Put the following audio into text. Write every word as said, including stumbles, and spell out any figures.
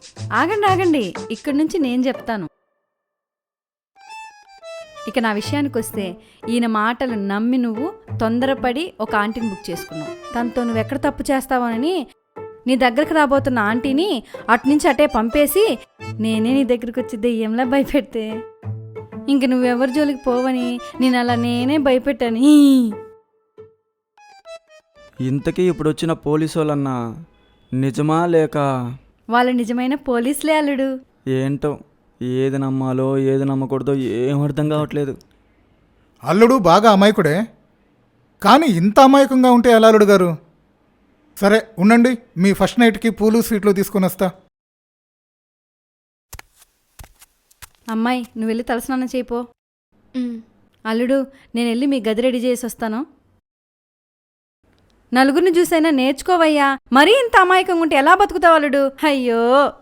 ఆగండి ఆగండి ఇక్కడి నుంచి నేను చెప్తాను. ఇక నా విషయానికి వస్తే ఈయన మాటలు నమ్మి నువ్వు తొందరపడి ఒక ఆంటీని బుక్ చేసుకున్నావు. తనతో నువ్వు ఎక్కడ తప్పు చేస్తావోనని నీ దగ్గరకు రాబోతున్న ఆంటీని అటు నుంచి అటే పంపేసి నేనే నీ దగ్గరికి వచ్చి దెయ్యంలా భయపెడితే ఇంక నువ్వెవరి జోలికి పోవని నేను అలా నేనే భయపెట్టాని. ఇంతకీ ఇప్పుడు వచ్చిన పోలీసు వాళ్ళన్నా నిజమా లేక? వాళ్ళ నిజమైన పోలీసులే అల్లుడు. ఏంటో ఏది నమ్మాలో ఏది నమ్మకూడదో ఏం అర్థం కావట్లేదు. అల్లుడు బాగా అమాయకుడే, కానీ ఇంత అమాయకంగా ఉంటే ఎలా అల్లుడు గారు? సరే ఉండండి, మీ ఫస్ట్ నైట్కి పూలు స్వీట్లు తీసుకొని వస్తా. అమ్మాయి నువ్వు వెళ్ళి తలస్నానం చేయిపో. అల్లుడు నేను వెళ్ళి మీ గది రెడీ చేసి వస్తాను. నలుగురిని చూసైనా నేర్చుకోవయ్యా. మరీ ఇంత అమాయకంగా ఉంటే ఎలా బతుకుతావు అల్లుడు? అయ్యో.